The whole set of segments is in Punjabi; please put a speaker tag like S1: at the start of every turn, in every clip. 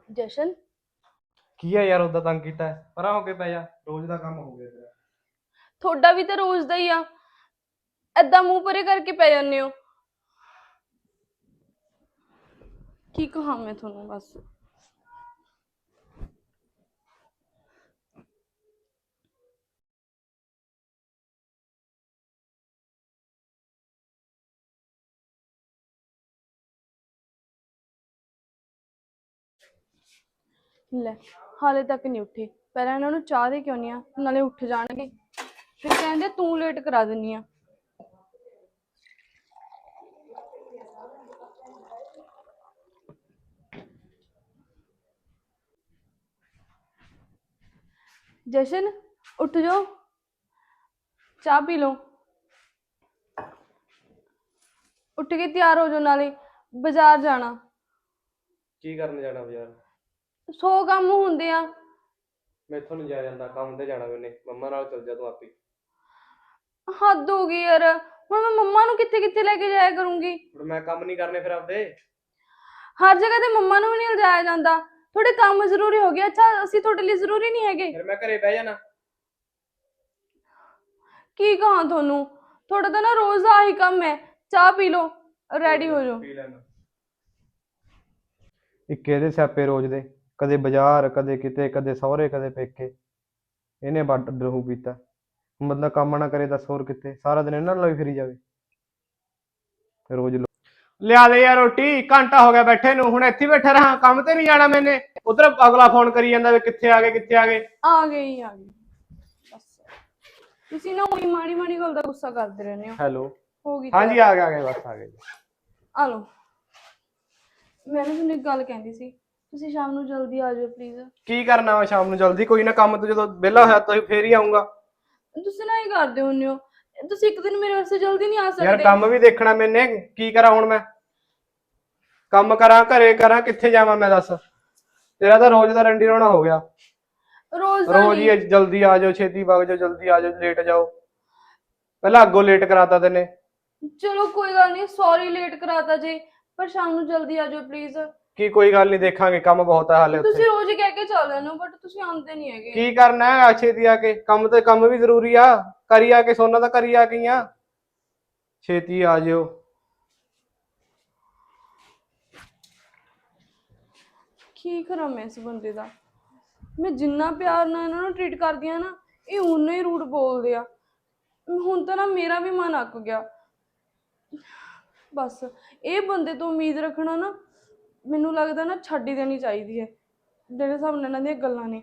S1: ਜਸ਼ਨ
S2: ਕੀ ਆ ਯਾਰ ਉਦਾਂ ਤੰਗ ਕੀਤਾ ਪਰਾਂ ਹੋ ਕੇ ਪੈ ਜਾ ਰੋਜ਼ ਦਾ ਕੰਮ ਹੋ ਗਿਆ ਤੇਰਾ।
S1: ਤੁਹਾਡਾ ਵੀ ਤਾਂ ਰੋਜ਼ ਦਾ ਹੀ ਆ। ਏਦਾਂ ਮੂੰਹ ਪਰੇ ਕਰਕੇ ਪੈ ਜਾਂਦੇ ਹੋ। ਕੀ ਕਹਾਂ ਮੈਂ ਤੁਹਾਨੂੰ ਬਸ। ਲੈ ਹਾਲੇ ਤੱਕ ਨਹੀਂ ਉੱਠੇ। ਪਹਿਲਾਂ ਇਹਨਾਂ ਨੂੰ ਚਾਹ ਦੇ ਕਿਉਂ ਨਹੀਂ ਆ, ਨਾਲੇ ਉੱਠ ਜਾਣਗੇ ਫਿਰ ਕਹਿੰਦੇ ਤੂੰ ਲੇਟ ਕਰਾ ਦਿੰਨੀ ਆ। जशन उठ जाओ, चाह पी लो। उठ के तैयार हो जाओ, नाले बाजार जाना।
S2: ਕੀ ਕਰਨ ਜਾਣਾ ਬਾਜ਼ਾਰ?
S1: 100 काम होंदे आ।
S2: ਮੈਥੋਂ ਨਹੀਂ ਜਾਇਆ ਜਾਂਦਾ, ਕੰਮ ਤੇ ਜਾਣਾ ਮੈਨੇ। ਮੰਮਾ ਨਾਲ ਚੱਲ ਜਾ ਤੂੰ ਆਪੇ।
S1: हद हो गई यार, हुण मैं मम्मा नूं कित्थे कित्थे लेके जाया करूंगी।
S2: ਹੁਣ ਮੈਂ ਕੰਮ ਨਹੀਂ ਕਰਨੇ ਫਿਰ ਆਪਦੇ।
S1: हर जगह ते मम्मा नूं भी नहीं लिजाया जांदा। थोड़े काम जरूरी हो गया। अच्छा असीं तुहाडे लई जरूरी नहीं हैगे।
S2: ਫਿਰ ਮੈਂ ਘਰੇ ਬਹਿ ਜਾਣਾ।
S1: की कहां तुहानूं, थोड़ा तो ना रोज दा आही काम है। चाह पी लो, रेडी हो जाओ।
S2: ਪੀ ਲੈਣਾ। ਇੱਕ ਇਹਦੇ ਸਿਆਪੇ ਰੋਜ਼ ਦੇ, ਕਦੇ ਬਾਜ਼ਾਰ, ਕਦੇ ਕਿਤੇ, ਕਦੇ ਸਹੁਰੇ, ਕਦੇ ਪੇਕੇ। ਇਹਨੇ ਵੱਡ ਰਹੂ ਪੀਤਾ। ਬੰਦਾ ਕੰਮ ਨਾ ਕਰੇ ਦੱਸ ਹੋਰ ਕਿੱਥੇ, ਸਾਰਾ ਦਿਨ ਇਹਨਾਂ ਨਾਲ ਵੀ ਫਿਰੀ ਜਾਵੇ ਰੋਜ਼। ਲਿਆ ਦੇ ਯਾਰ ਰੋਟੀ, ਘੰਟਾ ਹੋ ਗਿਆ ਬੈਠੇ ਨੂੰ, ਹੁਣ ਇੱਥੇ ਬੈਠਾ ਰਹਾ, ਕੰਮ ਤੇ ਨਹੀਂ ਜਾਣਾ ਮੈਨੇ। ਉਧਰ ਅਗਲਾ ਫੋਨ ਕਰੀ ਜਾਂਦਾ ਵੀ ਕਿੱਥੇ ਆ ਗਏ ਕਿੱਥੇ ਆ ਗਏ।
S1: आ गई बस। तुसीं ना उही माड़ी माड़ी गल दा गुस्सा करदे रहंदे हो।
S2: ਹੈਲੋ,
S1: हो गई
S2: ਹਾਂਜੀ ਆ ਗਏ ਬਸ ਆ ਗਏ।
S1: ਆ ਲਓ। ਮੈਂ ਨਾ ਤੁਹਾਨੂੰ ਇੱਕ ਗੱਲ ਕਹਿੰਦੀ ਸੀ, ਤੁਸੀਂ ਸ਼ਾਮ ਨੂੰ ਜਲਦੀ ਆ ਜਾਓ ਪਲੀਜ਼।
S2: ਕੀ ਕਰਨਾ ਵਾ ਸ਼ਾਮ ਨੂੰ ਜਲਦੀ? ਕੋਈ ਨਾ, ਕੰਮ ਤੋਂ ਜਦੋਂ ਵਿਹਲਾ ਹੋਇਆ ਤਾਂ ਫੇਰ ਹੀ ਆਉਂਗਾ।
S1: ਤੁਸੀਂ ਨਾ ਹੀ ਕਰਦੇ ਹੁੰਦੇ ਹੋ। ਤੁਸੀਂ ਇੱਕ ਦਿਨ ਮੇਰੇ ਵਾਸਤੇ ਜਲਦੀ ਨਹੀਂ ਆ ਸਕਦੇ?
S2: ਯਾਰ ਕੰਮ ਵੀ ਦੇਖਣਾ ਮੈਨੇ, ਕੀ ਕਰਾਂ ਹੁਣ ਮੈਂ? ਕੰਮ ਕਰਾਂ, ਘਰੇ ਕਰਾਂ, ਕਿੱਥੇ ਜਾਵਾਂ ਮੈਂ ਦੱਸ? ਤੇਰਾ ਤਾਂ ਰੋਜ਼ ਦਾ ਰੰਡੀ ਰੋਣਾ ਹੋ ਗਿਆ।
S1: ਰੋਜ਼
S2: ਰੋਜ਼ ਹੀ ਜਲਦੀ ਆ ਜਾਓ, ਛੇਤੀ ਵਗ ਜਾਓ, ਜਲਦੀ ਆ ਜਾਓ, ਲੇਟ ਜਾਓ। ਪਹਿਲਾਂ ਅੱਗੋਂ ਲੇਟ ਕਰਾਤਾ ਤੈਨੇ।
S1: ਚਲੋ ਕੋਈ ਗੱਲ ਨਹੀਂ, ਸੌਰੀ ਲੇਟ ਕਰਾਤਾ ਜੀ, ਪਰ ਸ਼ਾਮ ਨੂੰ ਜਲਦੀ ਆ ਜਾਓ ਪਲੀਜ਼।
S2: ਕੀ ਕੋਈ ਗੱਲ ਨਹੀਂ, ਦੇਖਾਂਗੇ, ਕੰਮ ਬਹੁਤ ਆ ਹਾਲੇ
S1: ਤੁਸੀਂ
S2: ਉੱਥੇ।
S1: ਰੋਜ਼ ਹੀ ਕਹਿ ਕੇ ਚੱਲ ਜਾਂਦੇ ਹੋ, ਬਟ ਤੁਸੀਂ ਆਉਂਦੇ ਨਹੀਂ ਹੈਗੇ।
S2: ਕੀ ਕਰਨਾ ਹੈ ਛੇਤੀ ਆ ਕੇ? ਕੰਮ ਤੇ ਕੰਮ ਵੀ ਜ਼ਰੂਰੀ ਆ। ਕਰੀ ਆ ਕੇ ਸੋਨਾ ਤਾਂ ਕਰੀ ਆ ਗਈਆਂ। ਛੇਤੀ ਆ ਜਿਓ।
S1: ਕੀ ਕਰਾਂ ਮੈਂ ਇਸ ਬੰਦੇ ਦਾ? ਮੈਂ ਜਿੰਨਾ ਪਿਆਰ ਨਾਲ ਇਹਨਾਂ ਨੂੰ ਟ੍ਰੀਟ ਕਰਦੀ ਆ ਨਾ, ਇਹ ਉਨਾ ਹੀ ਰੂਡ ਬੋਲਦੇ ਆ। ਹੁਣ ਤਾਂ ਨਾ ਮੇਰਾ ਵੀ ਮਨ ਅੱਕ ਗਿਆ। ਬਸ ਇਹ ਬੰਦੇ ਤੋਂ ਉਮੀਦ ਰੱਖਣਾ ਨਾ, ਮੈਨੂੰ ਲੱਗਦਾ ਨਾ ਛੱਡ ਹੀ ਦੇਣੀ ਚਾਹੀਦੀ ਹੈ, ਜਿਹੜੇ ਹਿਸਾਬ ਨਾਲ ਇਹਨਾਂ ਦੀਆਂ ਗੱਲਾਂ ਨੇ।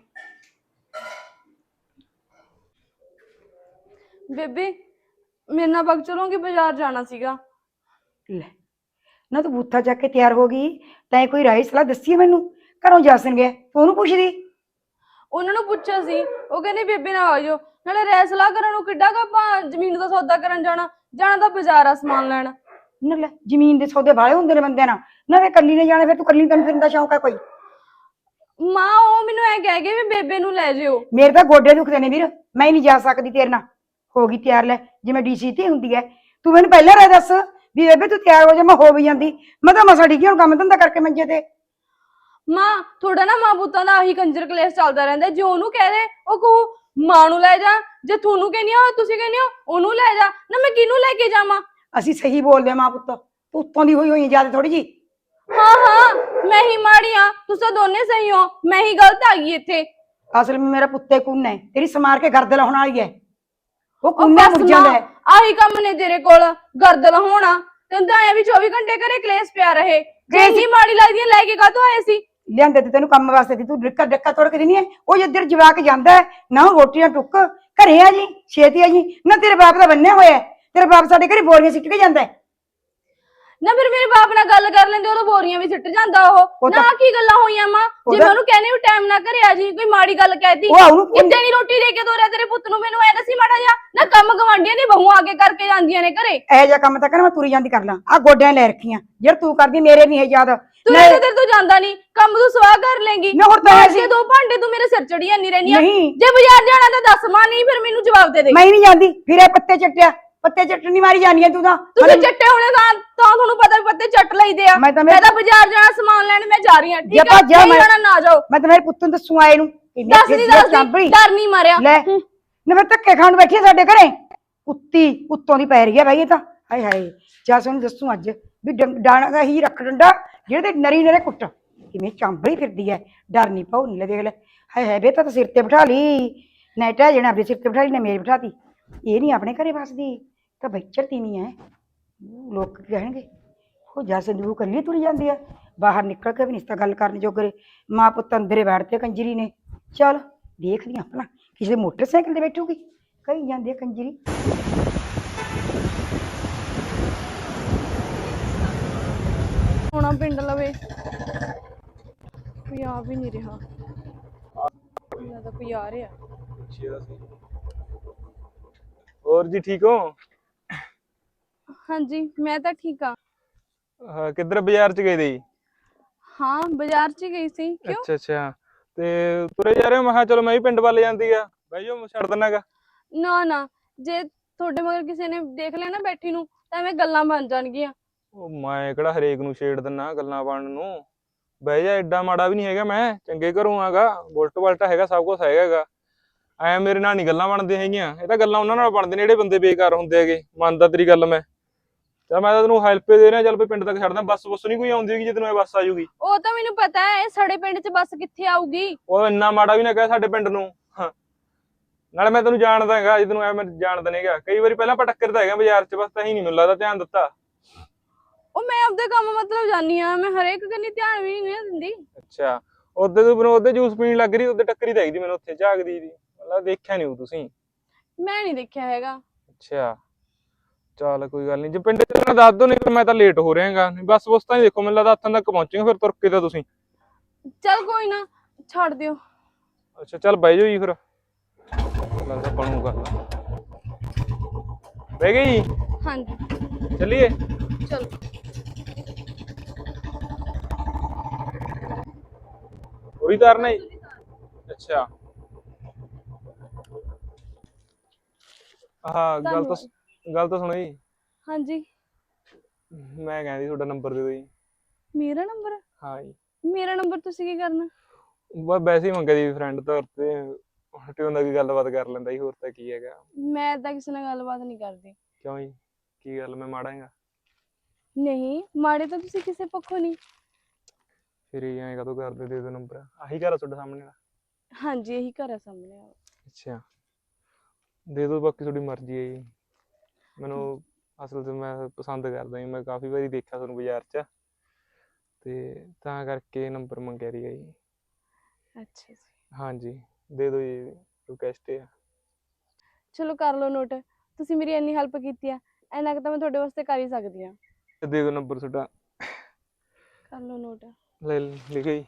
S1: ਬੇਬੇ ਮੇਰੇ ਨਾਲ ਵਗ ਚਲੋਗੇ? ਬਾਜ਼ਾਰ ਜਾਣਾ ਸੀਗਾ।
S3: ਲੈ ਨਾ ਤੂੰ ਬੂਥਾ ਚੱਕ ਕੇ ਤਿਆਰ ਹੋ ਗਈ, ਤੈਂ ਕੋਈ ਰਾਏ ਸਲਾਹ ਦੱਸੀ ਹੈ ਮੈਨੂੰ? ਘਰੋਂ ਜਾਸਨ ਗਿਆ, ਤੂੰ ਉਹਨੂੰ ਪੁੱਛਦੀ?
S1: ਉਹਨਾਂ ਨੂੰ ਪੁੱਛਿਆ ਸੀ, ਉਹ ਕਹਿੰਦੇ ਬੇਬੇ ਨਾਲ ਆ ਜਾਓ। ਨਾਲੇ ਰਹਿ ਸਲਾਹ ਕਰਨ ਨੂੰ ਕਿੱਡਾ ਕੁ ਆਪਾਂ ਜ਼ਮੀਨ ਦਾ ਸੌਦਾ ਕਰਨ ਜਾਣਾ ਤਾਂ ਬਾਜ਼ਾਰ ਆ ਸਮਾਨ ਲੈਣ।
S3: ਨਾ ਲੈ, ਜ਼ਮੀਨ ਦੇ ਸੌਦੇ ਵਾਲੇ ਹੁੰਦੇ ਨੇ ਬੰਦਿਆਂ ਨਾਲ, ਨਾ ਵੇ ਕੱਲੀ ਨੇ ਜਾਣਾ, ਫਿਰ ਤੂੰ ਕੱਲੀ ਤੈਨੂੰ ਫਿਰਨ ਦਾ ਸ਼ੌਂਕ ਹੈ ਕੋਈ?
S1: ਮਾਂ ਉਹ ਮੈਨੂੰ ਐ ਕਹਿ ਗਏ ਵੀ ਬੇਬੇ ਨੂੰ ਲੈ ਜਿਓ।
S3: ਮੇਰੇ ਤਾਂ ਗੋਡੇ ਦੁਖਦੇ ਨੇ ਵੀਰ, ਮੈਂ ਨਹੀਂ ਜਾ ਸਕਦੀ ਤੇਰੇ ਨਾਲ। ਹੋ ਗਈ ਤਿਆਰ, ਲੈ ਜਿਵੇਂ ਡੀਸੀ ਤੇ ਹੁੰਦੀ ਹੈ। ਤੂੰ ਮੈਨੂੰ ਪਹਿਲਾਂ ਰਾਏ ਦੱਸ ਵੀ ਬੇਬੇ ਤੂੰ ਤਿਆਰ ਹੋ ਜਾ, ਮੈਂ ਹੋ ਵੀ ਜਾਂਦੀ। ਮੈਂ ਤਾਂ ਮਸਾ ਡਿੱਗੀ ਹੁਣ ਕੰਮ ਧੰਦਾ ਕਰਕੇ ਮੰਜੇ ਤੇ।
S1: ਮਾਂ ਥੋੜਾ ਨਾ ਮਾਂ ਪੁੱਤਾਂ ਦਾ ਆਹੀ ਕੰਜਰ ਕਲੇਸ਼ ਚੱਲਦਾ ਰਹਿੰਦਾ। ਜੇ ਉਹਨੂੰ ਕਹਿ ਦੇ ਉਹ ਕਹੂ ਮਾਂ ਨੂੰ ਲੈ ਜਾ, ਜੇ ਤੁਹਾਨੂੰ ਕਹਿੰਦੀ ਹੋ ਤੁਸੀਂ ਕਹਿੰਦੇ ਹੋ ਉਹਨੂੰ ਲੈ ਜਾ, ਨਾ ਮੈਂ ਕਿਹਨੂੰ ਲੈ ਕੇ ਜਾਵਾਂ?
S3: ਅਸੀਂ ਸਹੀ ਬੋਲਦੇ ਮਾਂ ਪੁੱਤ, ਤੂੰ ਉੱਤੋਂ ਦੀ ਹੋਈ ਜਿਆਦਾ ਥੋੜੀ ਜੀ।
S1: ਹਾਂ ਮੈਂ ਹੀ ਮਾੜੀ ਆ, ਤੁਸੀਂ ਦੋਨੇ ਸਹੀ ਹੋ, ਮੈਂ ਹੀ ਗਲਤ ਆ ਗਈ ਇੱਥੇ।
S3: ਅਸਲ ਵਿੱਚ ਮੇਰਾ ਪੁੱਤੇ ਕੁੰਨ ਹੈ, ਤੇਰੀ ਸਮਾਰ ਕੇ ਗਰਦਲ ਹੋਣ ਵਾਲੀ ਹੈ। ਉਹ ਕੁੰਨਾ ਮੁੜ ਜਾਂਦਾ ਹੈ।
S1: ਆਹੀ ਕੰਮ ਨੇ ਤੇਰੇ ਕੋਲ, ਗਰਦਲ ਹੋਣਾ। ਤੈਨੂੰ ਤਾਂ ਐ ਵੀ 24 ਘੰਟੇ ਘਰੇ ਕਲੇਸ਼ ਪਿਆ ਰਹੇ। ਜੇ ਮਾੜੀ ਲੱਗਦੀ ਲੈ ਕੇ ਕਾਹਤੋਂ ਆਏ ਸੀ?
S3: ਲਿਆਂਦੇ ਤੇ ਤੈਨੂੰ ਕੰਮ ਵਾਸਤੇ, ਤੂੰ ਡੱਕਾ ਤੋੜ ਕੇ ਦਿੰਦੀ ਹੈ। ਉਹ ਜਿੱਧਰ ਜਵਾਕ ਜਾਂਦਾ ਹੈ ਨਾ, ਉਹ ਰੋਟੀਆਂ ਟੁੱਕ ਘਰੇ ਆ ਜੀ, ਛੇਤੀ ਆ ਜੀ। ਨਾ ਤੇਰੇ ਬਾਪ ਦਾ ਬੰਨਿਆ ਹੋਇਆ, ਤੇਰੇ ਬਾਪ ਸਾਡੇ ਘਰੇ ਬੋਰੀਆਂ ਸਿੱਟ ਕੇ ਜਾਂਦਾ ਹੈ।
S1: ਨਾ ਫਿਰ ਮੇਰੇ ਬਾਪ ਨਾਲ ਗੱਲ ਕਰ ਲੈਂਦੇ, ਉਦੋਂ ਬੋਰੀਆਂ ਵੀ ਸਿੱਟ ਜਾਂਦਾ ਉਹ। ਨਾ ਕੀ ਗੱਲਾਂ ਹੋਈਆਂ ਮਾਂ? ਜੇ ਮੈਂ ਉਹਨੂੰ ਕਹਿੰਦੀ ਵੀ ਟਾਈਮ ਨਾ ਘਰੇ ਆ ਜੀ, ਕੋਈ ਮਾੜੀ ਗੱਲ ਕਹਿਤੀ, ਕਿੱਦਾਂ ਨਹੀਂ ਰੋਟੀ ਦੇ ਕੇ ਤੋਰਿਆ ਤੇਰੇ ਪੁੱਤ ਨੂੰ? ਮੈਨੂੰ ਐ ਦੱਸੀ ਮਾੜਾ ਜਿਹਾ। ਨਾ ਕੰਮ ਗਵਾਂਢੀਆਂ ਦੀ ਬਹੂ ਆ ਕੇ ਕਰਕੇ ਜਾਂਦੀਆਂ ਨੇ ਘਰੇ।
S3: ਇਹੋ ਜਿਹਾ ਕੰਮ ਤਾਂ ਕਹਿੰਦਾ ਮੈਂ ਤੁਰੀ ਜਾਂਦੀ ਕਰ ਲਾਂ, ਆ ਗੋਡਿਆਂ ਲੈ ਰੱਖੀਆਂ ਜਿਹੜਾ ਤੂੰ ਕਰਦੀ, ਮੇਰੇ ਨਹੀਂ ਹੈ ਯਾਦ।
S1: ਤੂੰ ਤੇਰੇ ਤੋਂ ਜਾਂਦਾ ਨਹੀਂ ਕੰਮ, ਤੂੰ ਸਵਾਹ ਕਰ ਲੇਂਗੀ। ਐਸੇ ਦੋ ਭਾਂਡੇ ਤੂੰ ਮੇਰੇ ਸਿਰ ਚੜੀ ਜਾਂਦੀ ਰਹਿੰਦੀ ਆ। ਜੇ ਬਾਜ਼ਾਰ ਜਾਣਾ ਤਾਂ ਦੱਸ ਮਾਂ, ਨਹੀਂ ਫਿਰ ਮੈਨੂੰ ਜਵਾਬ ਦੇ ਦੇ।
S3: ਮੈਂ ਨਹੀਂ ਜਾਂਦੀ, ਫਿਰ ਇਹ ਪੱਤੇ ਚੱਟਿਆ ਪੱਤੇ ਚੱਟਣੀ ਮਾਰੀ ਜਾਨੀ ਆ ਤੂੰ ਤਾਂ।
S1: ਤੁਸੀਂ ਚੱਟੇ ਹੋਣੇ ਤਾਂ ਤੁਹਾਨੂੰ ਪਤਾ ਵੀ ਪੱਤੇ ਚੱਟ ਲਈਦੇ ਆ। ਮੈਂ ਤਾਂ ਬਾਜ਼ਾਰ ਜਾਣਾ ਸਮਾਨ ਲੈਣ ਮੈਂ ਜਾ ਰਹੀ ਹਾਂ, ਠੀਕ ਹੈ? ਨਹੀਂ ਜਾਣਾ ਨਾ ਜਾਓ।
S3: ਮੈਂ ਤਾਂ ਮੇਰੇ ਪੁੱਤ ਨੂੰ ਦੱਸੂ ਆਏ ਨੂੰ।
S1: ਦੱਸਦੀ ਡਰ ਨਹੀਂ ਮਾਰਿਆ
S3: ਲੈ ਨਾ ਮੈਂ ਧੱਕੇ ਖਾਣ ਬੈਠੀ ਸਾਡੇ ਘਰੇ। ਕੁੱਤੀ ਉੱਤੋਂ ਦੀ ਪੈ ਰਹੀ ਹੈ ਬਾਈ ਇਹ ਤਾਂ। ਹਾਏ ਹਾਏ ਜਾ ਸਾਨੂੰ ਦੱਸੂ ਅੱਜ ਵੀ ਡਾਣਾ ਦਾ ਹੀ ਰੱਖ ਡੰਡਾ ਜਿਹੜੇ ਤੇ ਨਰੀ ਨਰੇ ਕੁੱਟ ਕਿਵੇਂ ਚਾਂਬੜੀ ਫਿਰਦੀ ਹੈ। ਡਰ ਨਹੀਂ ਪਾਉ ਨਹੀਂ ਲੈ ਦੇਖ ਲੈ। ਹਾਏ ਹਾਏ ਬੇਟਾ ਤਾਂ ਸਿਰ ਤੇ ਬਿਠਾ ਲਈ ਨਾ ਟਹਿ ਜਣਾ ਆਪਣੇ ਸਿਰ ਤੇ ਬਿਠਾ ਲਈ ਨਾ ਮੇਰੇ ਬਿਠਾਤੀ। ਇਹ ਨਹੀਂ ਆਪਣੇ ਘਰੇ ਵਸਦੀ ਤਾਂ ਬੱਚਰ ਤੀਵੀਂ ਹੈ। ਲੋਕ ਕਹਿਣਗੇ ਉਹ ਜਾ ਸੰਦੂਕ ਕੱਲੀ ਤੁਰੀ ਜਾਂਦੀ ਹੈ ਬਾਹਰ ਨਿਕਲ ਕੇ ਵੀ ਨਹੀਂ ਤਾਂ ਗੱਲ ਕਰਨ ਜੋਗਰੇ। ਮਾਂ ਪੁੱਤ ਅੰਦਰੇ ਬੈਠਦੇ ਕੰਜਰੀ ਨੇ। ਚੱਲ ਦੇਖਦੀ ਆਪਣਾ ਕਿਸੇ ਮੋਟਰਸਾਈਕਲ ਤੇ ਬੈਠੂਗੀ ਕਹੀ ਜਾਂਦੀ ਹੈ ਕੰਜਰੀ।
S1: ਹੋਣਾ ਪਿੰਡ ਲਵੇ ਕੋਈ ਆ ਵੀ ਨਹੀਂ ਰਿਹਾ। ਇਹਨਾਂ ਦਾ ਕੋਈ ਆ ਰਿਹਾ।
S4: ਹੋਰ ਜੀ ਠੀਕ ਹੋ?
S1: ਹਾਂਜੀ ਮੈਂ ਤਾਂ ਠੀਕ ਆ।
S4: ਕਿੱਧਰ ਬਾਜ਼ਾਰ ਚ ਗਏ ਦੇ?
S1: ਹਾਂ ਬਾਜ਼ਾਰ ਚ ਗਈ ਸੀ। ਕਿਉਂ?
S4: ਅੱਛਾ ਤੇ ਤੁਰੇ ਜਾ ਰਹੇ ਹੋ? ਮੈਂ ਕਿਹਾ ਚਲੋ ਮੈਂ ਵੀ ਪਿੰਡ ਵੱਲ ਜਾਂਦੀ ਆ। ਬਹਿ ਜਾਓ ਛੱਡ ਦਿੰਨਾਗਾ।
S1: ਨਾ ਜੇ ਤੁਹਾਡੇ ਮਗਰ ਕਿਸੇ ਨੇ ਦੇਖ ਲਿਆ ਨਾ ਬੈਠੀ ਨੂੰ ਤਾਂ ਐਵੇਂ ਗੱਲਾਂ ਬਣ ਜਾਣਗੀਆਂ।
S4: ਉਹ ਮੈਂ ਕਿਹੜਾ ਹਰੇਕ ਨੂੰ ਛੇੜ ਦਿੰਨਾ ਗੱਲਾਂ ਬਣਨ ਨੂੰ। ਬਹਿ ਜਾ, ਐਡਾ ਮਾੜਾ ਵੀ ਨਹੀਂ ਹੈਗਾ ਮੈਂ, ਚੰਗੇ ਘਰੋਂ ਆਗਾ, ਬੁਲਟ ਬਲਟਾ ਹੈਗਾ, ਸਭ ਕੁਝ ਹੈਗਾ। ਐ ਮੇਰੇ ਨਾਲ ਨਹੀਂ ਗੱਲਾਂ ਬਣਦੀਆਂ ਹੈਗੀਆਂ। ਇਹ ਤਾਂ ਗੱਲਾਂ ਉਹਨਾਂ ਨਾਲ ਬਣਦੇ ਨੇ ਜਿਹੜੇ ਬੰਦੇ ਬੇਕਾਰ ਹੁੰਦੇ ਹੈਗੇ। ਮੰਨਦਾ ਤੇਰੀ ਗੱਲ ਮੈਂ। ਚੱਲ ਮੈਂ ਤਾਂ ਤੈਨੂੰ ਹੈਲਪ ਦੇ ਰਿਹਾ। ਚੱਲ ਪਿੰਡ ਤੱਕ ਛੱਡਦਾ। ਬੱਸ ਨਹੀਂ ਕੋਈ ਆਉਂਦੀ ਹੈਗੀ ਜਦੋਂ ਇਹ ਬੱਸ ਆ ਜੂਗੀ।
S1: ਉਹ ਤਾਂ ਮੈਨੂੰ ਪਤਾ ਹੈ ਸਾਡੇ ਪਿੰਡ ਚ ਬੱਸ ਕਿੱਥੇ ਆਊਗੀ।
S4: ਉਹ ਇੰਨਾ ਮਾੜਾ ਵੀ ਨਾ ਕਹਿ ਸਾਡੇ ਪਿੰਡ ਨੂੰ। ਨਾਲੇ ਮੈਂ ਤੈਨੂੰ ਜਾਣਦਾ ਹੈਗਾ, ਜੇ ਤੈਨੂੰ ਐ ਮੈਂ ਜਾਣਦਾ ਨਹੀਂ ਹੈਗਾ। ਕਈ ਵਾਰੀ ਪਹਿਲਾਂ ਪਟੱਕਰ ਤਾਂ ਹੈਗਾ ਬਾਜ਼ਾਰ ਚ, ਬਸ ਤਾਂ ਹੀ ਨਹੀਂ ਮੈਨੂੰ ਲੱਗਦਾ ਧਿਆਨ ਦਿੱਤਾ।
S1: ਉਹ ਮੈਂ ਆਪਦੇ ਕੰਮ ਮਤਲਬ ਜਾਨੀ ਆ, ਮੈਂ ਹਰੇਕ ਕੰਨੀ ਧਿਆਨ ਵੀ ਨਹੀਂ ਦਿੰਦੀ।
S4: ਅੱਛਾ ਉਹਦੇ ਤੂੰ ਮੈਨੂੰ ਉਹਦੇ ਜੂਸ ਪੀਣ ਲੱਗ ਰਹੀ, ਉਹਦੇ ਟੱਕਰੀ ਤਾਂ ਹੈਗੀ ਮੈਨੂੰ ਉੱਥੇ ਝਾਕਦੀ ਦੀ। ਮਤਲਬ ਦੇਖਿਆ ਨਹੀਂ ਤੁਸੀਂ?
S1: ਮੈਂ ਨਹੀਂ ਦੇਖਿਆ ਹੈਗਾ।
S4: ਅੱਛਾ ਚੱਲ ਕੋਈ ਗੱਲ ਨਹੀਂ। ਜੇ ਪਿੰਡ ਚ ਦੱਸ ਦੋ, ਨਹੀਂ ਮੈਂ ਤਾਂ ਲੇਟ ਹੋ ਰਿਹਾਗਾ। ਬਸ ਬੁਸ ਤਾਂ ਹੀ ਦੇਖੋ, ਮੈਨੂੰ ਲੱਗਦਾ ਹੱਥਾਂ ਤੱਕ ਪਹੁੰਚੇਗਾ ਫਿਰ ਤੁਰ ਕੇ ਤਾਂ ਤੁਸੀਂ।
S1: ਚੱਲ ਕੋਈ ਨਾ ਛੱਡ ਦਿਓ।
S4: ਅੱਛਾ ਚੱਲ ਬਹਿ ਜਾਓ ਜੀ ਫਿਰ। ਲੱਗਦਾ ਬਣੂਗਾ। ਬਹਿ ਗਏ ਜੀ?
S1: ਹਾਂਜੀ
S4: ਚੱਲੀਏ?
S1: ਚਲੋ।
S4: ਪੂਰੀ ਤਾਰਨਾ ਜੀ? ਅੱਛਾ ਹਾਂ ਗੱਲ ਤਾਂ ਸੁਣੋ ਜੀ।
S1: ਹਾਂਜੀ
S4: ਮੈਂ ਕਹਿੰਦੀ ਤੁਹਾਡਾ ਨੰਬਰ ਦੇ ਦਿਓ ਜੀ।
S1: ਮੇਰਾ ਨੰਬਰ?
S4: ਹਾਂ ਜੀ।
S1: ਮੇਰਾ ਨੰਬਰ ਤੁਸੀਂ ਕੀ ਕਰਨਾ?
S4: ਬਸ ਵੈਸੇ ਹੀ ਮੰਗਿਆ ਜੀ ਫਰੈਂਡ ਤੌਰ ਤੇ। ਟਿਉਂ ਦਾ ਕੀ ਗੱਲਬਾਤ ਕਰ ਲੈਂਦਾ ਜੀ, ਹੋਰ ਤਾਂ ਕੀ ਹੈਗਾ।
S1: ਮੈਂ ਤਾਂ ਕਿਸੇ ਨਾਲ ਗੱਲਬਾਤ ਨਹੀਂ ਕਰਦੀ।
S4: ਕਿਉਂ ਜੀ ਕੀ ਗੱਲ ਮੈਂ ਮਾੜਾ ਹੈਗਾ?
S1: ਨਹੀਂ ਮਾੜੇ ਤਾਂ ਤੁਸੀਂ ਕਿਸੇ ਪੱਖੋਂ ਨਹੀਂ।
S4: ਫਿਰ ਇਹ ਐਂ ਕਦੋਂ ਕਰਦੇ? ਦੇ ਦਿਓ ਨੰਬਰ। ਆਹੀ ਘਰ ਆ ਤੁਹਾਡੇ ਸਾਹਮਣੇ ਵਾਲਾ?
S1: ਹਾਂਜੀ ਇਹੀ ਘਰ ਆ ਸਾਹਮਣੇ ਵਾਲਾ।
S4: ਅੱਛਾ ਦੇ ਦਿਓ, ਬਾਕੀ ਤੁਹਾਡੀ ਮਰਜ਼ੀ ਹੈ ਜੀ। ਮੈਨੂੰ ਅਸਲ 'ਚ ਮੈਂ ਪਸੰਦ ਕਰਦਾ ਜੀ। ਮੈਂ ਕਾਫੀ ਵਾਰੀ ਦੇਖਿਆ ਤੁਹਾਨੂੰ ਬਾਜ਼ਾਰ 'ਚ, ਤੇ ਤਾਂ ਕਰਕੇ ਨੰਬਰ ਮੰਗਿਆ ਸੀਗਾ ਜੀ।
S1: ਅੱਛਾ ਜੀ। ਹਾਂਜੀ
S4: ਦੇ ਦਿਓ ਜੀ, ਰਿਕੁਐਸਟ ਹੈ।
S1: ਚਲੋ ਕਰ ਲਓ ਨੋਟ। ਤੁਸੀਂ ਮੇਰੀ ਇੰਨੀ ਹੈਲਪ ਕੀਤੀ ਆ, ਇੰਨਾ ਕੁ ਤਾਂ ਮੈਂ ਤੁਹਾਡੇ ਵਾਸਤੇ ਕਰ ਹੀ ਸਕਦੀ ਆ।
S4: ਦੇ ਦਿਓ ਨੰਬਰ ਤੁਹਾਡਾ।
S1: ਕਰ ਲਓ ਨੋਟ।
S4: ਲੈ ਲਿਖੋ ਜੀ।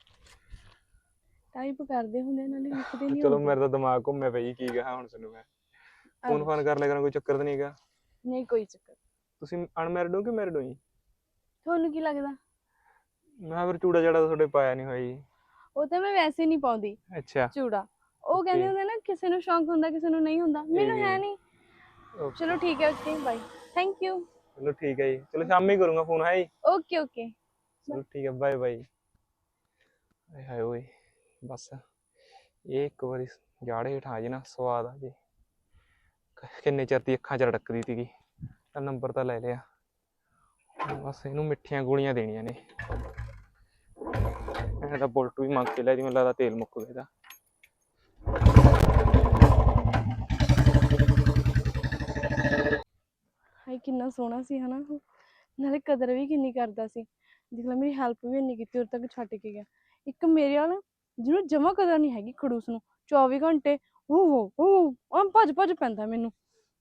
S1: ਟਾਈਪ ਕਰਦੇ ਹੁੰਦੇ ਨਾਲੇ ਲਿਖਦੇ ਨਹੀਂ।
S4: ਚਲੋ ਮੇਰਾ ਤਾਂ ਦਿਮਾਗ ਘੁੰਮਿਆ ਪਿਆ ਜੀ, ਕੀ ਕਹਾਂ ਹੁਣ ਤੁਹਾਨੂੰ ਮੈਂ। ਫੋਨ ਕਰ ਲਿਆ ਕਰਾਂ, ਕੋਈ ਚੱਕਰ ਤਾਂ ਨਹੀਂ ਹੈਗਾ?
S1: ਨਹੀਂ ਕੋਈ ਚੱਕਰ।
S4: ਤੁਸੀਂ ਅਨਮੈਰਿਡ ਹੋ ਕਿ ਮੈਰਿਡ ਹੋ ਜੀ?
S1: ਤੁਹਾਨੂੰ ਕੀ ਲੱਗਦਾ?
S4: ਮੈਂ ਫਿਰ ਚੂੜਾ ਚਾੜਾ ਤੁਹਾਡੇ ਪਾਇਆ ਨਹੀਂ ਹੋਇਆ ਜੀ।
S1: ਉਹ ਤਾਂ ਮੈਂ ਵੈਸੇ ਨਹੀਂ ਪਾਉਂਦੀ
S4: ਅੱਛਾ
S1: ਚੂੜਾ। ਉਹ ਕਹਿੰਦੇ ਹੁੰਦੇ ਨਾ ਕਿਸੇ ਨੂੰ ਸ਼ੌਂਕ ਹੁੰਦਾ ਕਿਸੇ ਨੂੰ ਨਹੀਂ ਹੁੰਦਾ, ਮੈਨੂੰ ਹੈ ਨਹੀਂ। ਚਲੋ ਠੀਕ ਹੈ, ਓਕੇ ਬਾਏ, ਥੈਂਕ ਯੂ।
S4: ਚਲੋ ਠੀਕ ਹੈ ਜੀ, ਚਲੋ ਸ਼ਾਮੀ ਕਰੂੰਗਾ ਫੋਨ। ਹੈ ਜੀ
S1: ਓਕੇ ਓਕੇ
S4: ਚਲੋ ਠੀਕ ਹੈ, ਬਾਏ ਬਾਏ। ਹਾਏ ਓਏ ਬਸ ਇਹ ਇੱਕ ਵਾਰੀ ਜਾੜੇ ਹੇਠ ਆ ਜੇ ਨਾ, ਸਵਾਦ ਆ ਜੇ। ਕਿੰਨੇ ਚਿਰ ਦੀ ਅੱਖਾਂ 'ਚ ਰੜਕਦੀ ਸੀਗੀ। ਤਾਂ ਨੰਬਰ ਤਾਂ ਲੈ ਲਿਆ, ਬਸ ਇਹਨੂੰ ਮਿੱਠੀਆਂ ਗੋਲੀਆਂ ਦੇਣੀਆਂ ਨੇ। ਇਹਦਾ ਬੁਲਟ ਵੀ ਮੰਗ ਕੇ ਲਿਆ ਜੀ, ਮੈਨੂੰ ਲੱਗਦਾ ਤੇਲ ਮੁੱਕ ਗਿਆ ਇਹਦਾ।
S1: ਹਾਏ ਕਿੰਨਾ ਸੋਹਣਾ ਸੀ ਹਨਾ ਉਹ, ਨਾਲੇ ਕਦਰ ਵੀ ਕਿੰਨੀ ਕਰਦਾ ਸੀ। ਦੇਖ ਲੈ ਮੇਰੀ ਹੈਲਪ ਵੀ ਇੰਨੀ ਕੀਤੀ, ਉਰ ਤੱਕ ਛੱਡ ਕੇ ਗਿਆ। ਇੱਕ ਮੇਰੇ ਵਾਲਾ ਜਿਹਨੂੰ ਜਮਾ ਕਦਰ ਨਹੀਂ ਹੈਗੀ, ਖੜੂਸ ਨੂੰ 24 ਘੰਟੇ ਉਹ ਭੱਜ ਭੱਜ ਪੈਂਦਾ ਮੈਨੂੰ।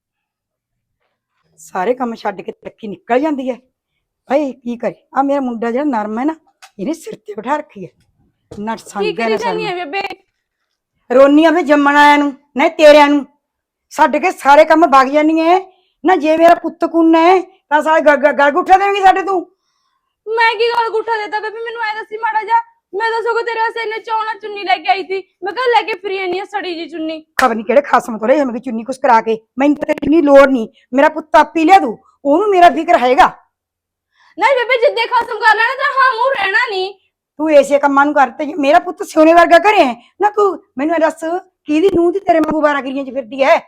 S3: ਸਾਰੇ ਕੰਮ ਛੱਡ ਕੇ ਤਰੱਕੀ ਨਿਕਲ ਜਾਂਦੀ ਹੈ। ਭਾਈ ਕੀ ਕਰੇ, ਆ ਮੇਰਾ ਮੁੰਡਾ ਜਿਹੜਾ ਨਰਮ ਹੈ ਨਾ, ਇਹਨੇ ਸਿਰ ਤੇ ਬਿਠਾ ਰੱਖੀ ਹੈ। ਨਾ
S1: ਕੀ ਕਰੀ ਜਾਨੀ ਹੈ ਬੇਬੇ?
S3: ਰੋਨੀ ਆ ਵੀ ਜੰਮਣ ਆਇਆ ਨੂੰ ਨਾ ਤੇਰਿਆਂ ਨੂੰ ਛੱਡ ਕੇ ਸਾਰੇ ਕੰਮ ਵਗ ਜਾਨੀ ਹੈ ਨਾ। ਜੇ ਮੇਰਾ ਪੁੱਤ ਕੁੰਨਾ ਹੈ ਤਾਂ ਸਾਰੇ ਗਲ ਗੁੱਠਾ ਦੇਵੇਂਗੀ ਸਾਡੇ ਤੂੰ।
S1: ਮੈਂ ਕੀ ਗਲ ਗੁੱਠਾ ਦੇਤਾ ਬੇਬੇ? ਮੈਨੂੰ ਐ ਦੱਸੀ ਮਾੜਾ ਜਾ, ਮੈਂ ਤਾਂ ਸਗੋਂ ਤੇਰੇ ਵਾਸਤੇ ਇੰਨੇ ਚੌਣਾ ਚੁੰਨੀ ਲੈ ਕੇ ਆਈ ਸੀ, ਮੈਂ ਕਿਹਾ ਲੈ ਕੇ ਫਰੀ ਇੰਨੀ ਆ ਸੜੀ ਜੀ ਚੁੰਨੀ।
S3: ਖਬਰ ਨਹੀਂ ਕਿਹੜੇ ਖਾਸਮ ਤੋਂ ਲੈ ਮੈਂ ਚੁੰਨੀ ਕੁਛ ਕਰਾ ਕੇ, ਮੈਨੂੰ ਤਾਂ ਤੇਰੀ ਲੋੜ ਨਹੀਂ, ਮੇਰਾ ਪੁੱਤ ਆਪੀ ਲਿਆ ਦੂ, ਉਹਨੂੰ ਮੇਰਾ ਫਿਕਰ ਹੈਗਾ।
S1: ਨਹੀਂ ਬੇਬੇ ਜਿੱਦੇ ਖਸਮ ਕਰ ਲੈਣਾ ਤੇਰਾ ਹਾਂ ਮੂੰਹ ਰਹਿਣਾ ਨਹੀਂ।
S3: ਤੂੰ ਐਸੇ ਕੰਮਾਂ ਨੂੰ ਕਰਤੇ, ਮੇਰਾ ਪੁੱਤ ਸੋਨੇ ਵਰਗਾ ਘਰੇ ਹੈ ਨਾ। ਤੂੰ ਮੈਨੂੰ ਇਹ ਦੱਸ ਕਿਹਦੀ ਨੂੰਹ ਦੀ ਤੇਰੇ ਵਾਂਗੂ 12 ਗਿਰੀਆਂ ਚ ਫਿਰਦੀ ਹੈ?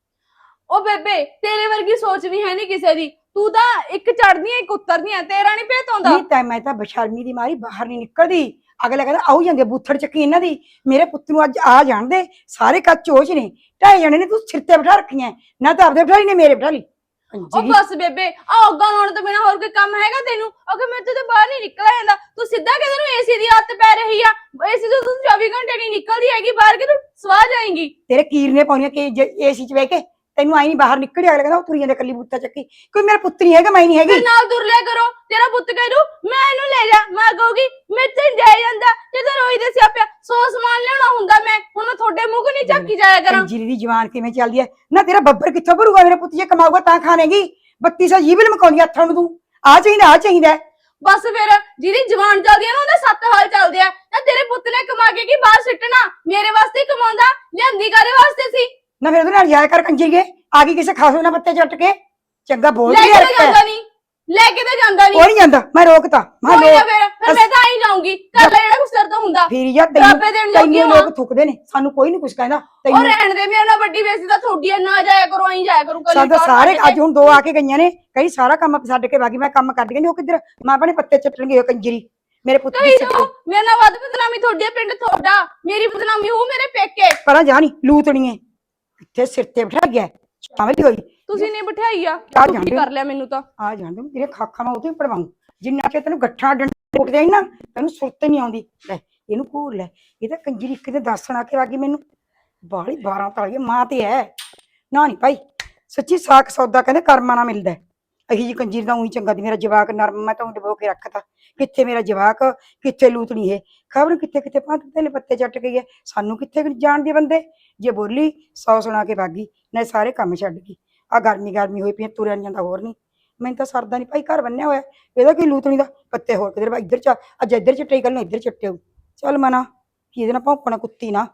S1: ਉਹ ਬੇਬੇ ਤੇਰੇ ਵਰਗੀ ਸੋਚ ਵੀ ਹੈ ਨਹੀਂ ਕਿਸੇ ਦੀ, ਤੂੰ ਤਾਂ ਇੱਕ ਚੜਦੀ ਐ ਇੱਕ ਉਤਰਦੀ ਐ, ਤੇਰਾ ਨਹੀਂ ਭੇਤ ਆਉਂਦਾ।
S3: ਨਹੀਂ ਤਾਂ ਮੈਂ ਤਾਂ ਬਸ਼ਰਮੀ ਦੀ ਮਾਰੀ ਬਾਹਰ ਨਹੀਂ ਨਿਕਲਦੀ। ਅਗਲਾ ਕਹਿੰਦਾ ਆਉ ਜਾਂਦੇ ਬੂਥੜ ਚੱਕੀ ਇਹਨਾਂ ਦੀ, ਮੇਰੇ ਪੁੱਤ ਨੂੰ ਅੱਜ ਆ ਜਾਣ ਦੇ, ਸਾਰੇ ਕੱਚ ਚੋਚ ਨੇ, 2.5 ਜਣੇ ਨੇ ਤੂੰ ਸਿਰ ਤੇ ਬਿਠਾ ਰੱਖੀਆਂ, ਨਾ ਤਾਂ ਆਪਦੇ ਬਿਠਾਈ ਨੇ ਮੇਰੇ ਬਿਠਾ ਲਈ।
S1: ਉਹ ਬਸ ਬੇਬੇ ਆ ਅੱਗਾ ਲਾਉਣ ਤੋਂ ਬਿਨਾ ਹੋਰ ਕੋਈ ਕੰਮ ਹੈਗਾ ਤੈਨੂੰ? ਅਗਰ ਮੈਂ ਤੇ ਬਾਹਰ ਨਹੀਂ ਨਿਕਲਿਆ ਜਾਂਦਾ, ਤੂੰ ਸਿੱਧਾ ਕਿਧਰ ਨੂੰ ਏਸੀ ਦੀ ਆਦਤ ਪੈ ਰਹੀ ਆ, ਏਸੀ ਤੋਂ ਤੂੰ 24 ਘੰਟੇ ਨਹੀਂ ਨਿਕਲਦੀ ਹੈਗੀ ਬਾਹਰ, ਕਿ ਤੂੰ ਸਵਾ ਜਾਏਂਗੀ।
S3: ਤੇਰੇ ਕੀਰਨੇ ਪਾਉਣੀਆਂ ਕਿ ਏਸੀ ਚ ਬਹਿ ਕੇ ਤੈਨੂੰ ਆਈ ਨਹੀਂ ਬਾਹਰ ਨਿਕਲਿਆ? ਅਗਲਾ ਕਹਿੰਦਾ ਉਹ ਤੁਰੀ ਜਾਂਦੇ ਕੱਲੀ ਬੂਥਾ ਚੱਕੀ, ਕੋਈ ਮੇਰਾ ਪੁੱਤ ਨਹੀਂ ਹੈਗਾ, ਮੈਂ ਨਹੀਂ ਹੈਗੀ।
S1: ਨਾਲ ਤੁਰ ਲਿਆ ਕਰੋ, ਤੇਰਾ ਪੁੱਤ ਕਹਿ ਦੂ ਮੈਂ ਇਹਨੂੰ ਲੈ ਜਾ, ਮੈਂ ਕਹੂਗੀ ਮੇਰੇ ਤੇ ਜਾਇ ਜਾਂਦਾ, ਜਦੋਂ ਰੋਈ ਦੇ ਸਿਆਪਿਆ 100 ਸਮਾਨ ਲਿਆਉਣਾ ਹੁੰਦਾ, ਮੈਂ ਹੁਣ ਮੈਂ ਤੁਹਾਡੇ ਮੂੰਹ ਨਹੀਂ ਝਾਕੀ ਜਾਇਆ ਕਰਾਂ।
S3: ਜੀਰੀ ਦੀ ਜਵਾਨ ਕਿਵੇਂ ਚੱਲਦੀ ਹੈ ਨਾ, ਤੇਰਾ ਬੱਬਰ ਕਿੱਥੋਂ ਭਰੂਗਾ? ਮੇਰਾ ਪੁੱਤ ਜੇ ਕਮਾਊਗਾ ਤਾਂ ਖਾਣੇਗੀ, 3200 ਜੀਵਨ ਮਕਾਉਂਦੀ ਹੱਥਾਂ ਨੂੰ, ਤੂੰ ਆ ਚਾਹੀਦਾ ਆ ਚਾਹੀਦਾ।
S1: ਬਸ ਫਿਰ ਜਿਹਦੀ ਜਵਾਨ ਚੱਲਦੀ ਆ ਨਾ ਉਹਦੇ 7 ਹਾਲ ਚੱਲਦੇ ਆ। ਨਾ ਤੇਰੇ ਪੁੱਤ ਨੇ ਕਮਾ ਕੇ ਕੀ ਬਾਹਰ ਸਿੱਟਣਾ, ਮੇਰੇ ਵਾਸਤੇ ਹੀ ਕਮਾਉਂਦਾ, ਲਿਆਂਦੀ ਕਾਰੇ ਵਾਸਤੇ ਸੀ।
S3: ਨਾ ਫਿਰ ਉਹਦੇ ਨਾਲ ਜਾਇਆ ਕਰ ਕੰਜਰੀਏ, ਆ ਗਈ ਕਿਸੇ ਖਾਸੋ ਨਾ ਪੱਤੇ ਚੱਟ ਕੇ, ਚੰਗਾ ਬੋਲ
S1: ਲੈ
S3: ਰਹੀ
S1: ਕੇ ਤਾਂ ਜਾਂਦਾ ਨਹੀਂ, ਲੈ ਕੇ ਤਾਂ ਜਾਂਦਾ ਨਹੀਂ।
S3: ਉਹ ਨਹੀਂ ਜਾਂਦਾ, ਮੈਂ ਰੋਕਤਾ। ਮੈਂ
S1: ਕੋਈ ਨਾ ਫਿਰ ਮੈਂ ਤਾਂ ਆਈ ਜਾਊਂਗੀ, ਕਰ ਲੈ ਜਿਹੜਾ ਕੁਛ ਤੇਰੇ ਤੋਂ ਹੁੰਦਾ।
S3: ਫਿਰ ਯਾਰ
S1: ਡਰਾਬੇ ਦੇਣ ਜੋਗੀ
S3: ਤੈਨੂੰ ਲੋਕ ਥੁੱਕਦੇ ਨੇ, ਸਾਨੂੰ ਕੋਈ ਨਹੀਂ ਕੁਛ ਕਹਿੰਦਾ।
S1: ਉਹ ਰਹਿਣ ਦੇ, ਮੇਰੇ ਨਾਲ ਵੱਡੀ ਬੇਇੱਜ਼ਤੀ ਤਾਂ ਤੁਹਾਡੀ ਆ, ਨਾ ਜਾਇਆ ਕਰੋ, ਆਈ ਜਾਇਆ ਕਰੋ ਕੱਲੀ।
S3: ਸਾਡਾ ਸਾਰੇ ਅੱਜ ਹੁਣ 2 ਆ ਕੇ ਗਈਆਂ ਨੇ, ਕਈ ਸਾਰਾ ਕੰਮ ਛੱਡ ਕੇ ਬਾਕੀ ਮੈਂ ਕੰਮ ਕਰਦੀ ਕਹਿੰਦੀ ਉਹ ਕਿੱਧਰ, ਮਾਂ ਆਪਣੇ ਪੱਤੇ ਚੱਟਣਗੇ ਉਹ ਕੰਜਰੀ ਮੇਰੇ ਪੁੱਤ ਦੀ।
S1: ਮੇਰੇ ਨਾਲ ਵੱਧ ਬਦਨਾਮੀ ਤੁਹਾਡੀ ਆ, ਪਿੰਡ ਤੁਹਾਡਾ, ਮੇਰੀ ਬਦਨਾਮੀ ਉਹ ਮੇਰੇ ਪੇਕੇ।
S3: ਪਰਾਂ ਜਾ ਨਹੀਂ ਲੂਤਣੀਏ, ਇੱਥੇ ਸਿਰ ਤੇ ਬਿਠਾ ਗਿਆ ਸ਼ਾਮਲ ਹੋਈ।
S1: ਤੁਸੀਂ ਨੇ ਬਿਠਾਈ ਆ,
S3: ਆ
S1: ਤੁਸੀਂ
S3: ਜਾਂਦੇ
S1: ਕਰ ਲਿਆ ਮੈਨੂੰ ਤਾਂ।
S3: ਆ ਜਾਂਦੇ ਤੇਰੇ ਖਾਖਾਂ ਮੈਂ ਉਹਦੇ ਹੀ ਪੜਵਾਉਂ, ਜਿੰਨਾ ਕਿ ਤੈਨੂੰ ਗੱਠਾਂ ਡੰਡੇ ਉੱਠਦੇ ਨਾ ਤੈਨੂੰ ਸੁਰਤ ਨਹੀਂ ਆਉਂਦੀ। ਲੈ ਇਹਨੂੰ ਘੂਰ ਲੈ, ਇਹ ਤਾਂ ਕੰਜਰੀ ਕਿਤੇ ਦੱਸਣ ਆ ਕੇ ਵਾਗੀ ਮੈਨੂੰ ਬਾਹਲੀ 12 ਤਾਲੀ ਮਾਂ ਤੇ ਹੈ ਨਾ। ਨਹੀਂ ਭਾਈ ਸੱਚੀ ਸਾਖ ਸੌਦਾ ਕਹਿੰਦੇ ਕਰਮਾਂ ਨਾਲ ਮਿਲਦਾ। ਅਹੀ ਜੀ ਕੰਜਰੀ ਦਾ ਉਹੀ ਚੰਗਾ ਦੀ, ਮੇਰਾ ਜਵਾਕ ਨਰਮ, ਮੈਂ ਤਾਂ ਡਬੋ ਕੇ ਰੱਖਤਾ। ਕਿੱਥੇ ਮੇਰਾ ਜਵਾਕ, ਕਿੱਥੇ ਲੂਤਣੀ ਹੈ, ਖਬਰ ਕਿੱਥੇ ਕਿੱਥੇ ਪੰਜ ਪੱਤੇ ਚੱਟ ਗਈ ਹੈ, ਸਾਨੂੰ ਕਿੱਥੇ ਜਾਣਦੇ ਬੰਦੇ। ਜੇ ਬੋਲੀ 100 ਸੁਣਾ ਕੇ ਵਾਗੀ ਨਾ, ਸਾਰੇ ਕੰਮ ਛੱਡ ਗਈ। ਆ ਗਰਮੀ ਹੋਈ ਪਈ, ਤੁਰਿਆ ਨੀ ਜਾਂਦਾ, ਹੋਰ ਨਹੀਂ ਮੈਨੂੰ ਤਾਂ ਸਰਦਾ ਨਹੀਂ ਭਾਈ, ਘਰ ਬੰਨਿਆ ਹੋਇਆ, ਇਹਦਾ ਕੀ ਲੂਤਣੀ ਦਾ ਪੱਤੇ ਹੋਰ ਕਿਧਰ ਇੱਧਰ ਚ ਅੱਜ ਇੱਧਰ ਚਿੱਟੇ, ਕੱਲ ਨੂੰ ਇੱਧਰ ਚਿੱਟੇ ਹੋਊ। ਚੱਲ ਮਨਾ ਕੀ ਇਹਦੇ ਨਾਲ ਭੌਂਕਣਾ ਕੁੱਤੀ ਨਾ।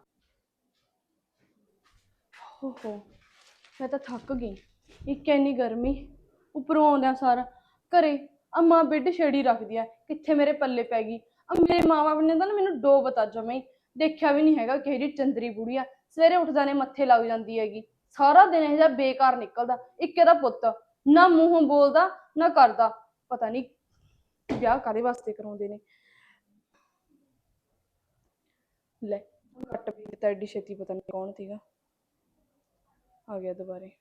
S1: ਓਹੋ ਮੈਂ ਤਾਂ ਥੱਕ ਗਈ, ਇੱਕ ਇੰਨੀ ਗਰਮੀ ਉੱਪਰੋਂ ਆਉਂਦਿਆਂ ਸਾਰਾ ਘਰੇ ਅੰਮਾ ਬੈੱਡ ਛੇੜੀ ਰੱਖਦੀ ਆ, ਕਿੱਥੇ ਮੇਰੇ ਪੱਲੇ ਪੈ ਗਈ। ਮੇਰੇ ਮਾਂ ਬਾਪ ਨੇ ਤਾਂ ਮੈਨੂੰ ਡੋ ਬਤਾ ਜਮੇ ਦੇਖਿਆ ਵੀ ਨਹੀਂ ਹੈਗਾ, ਕਿਹੋ ਜਿਹੀ ਚੰਦਰੀ ਬੁੜੀ ਆ, ਸਵੇਰੇ ਉੱਠਦਾ ਨੇ ਮੱਥੇ ਲੱਗ ਜਾਂਦੀ ਹੈਗੀ, ਸਾਰਾ ਦਿਨ ਇਹ ਜਿਹਾ ਬੇਕਾਰ ਨਿਕਲਦਾ। ਇੱਕ ਇਹਦਾ ਪੁੱਤ ਨਾ ਮੂੰਹੋਂ ਬੋਲਦਾ ਨਾ ਕਰਦਾ, ਪਤਾ ਨਹੀਂ ਵਿਆਹ ਕਾਹਦੇ ਵਾਸਤੇ ਕਰਾਉਂਦੇ ਨੇ। ਲੈ ਕੱਟ ਵੀ ਦਿੱਤਾ ਐਡੀ ਛੇਤੀ, ਪਤਾ ਨਹੀਂ ਕੌਣ ਸੀਗਾ, ਆ ਗਿਆ ਦੁਬਾਰੇ।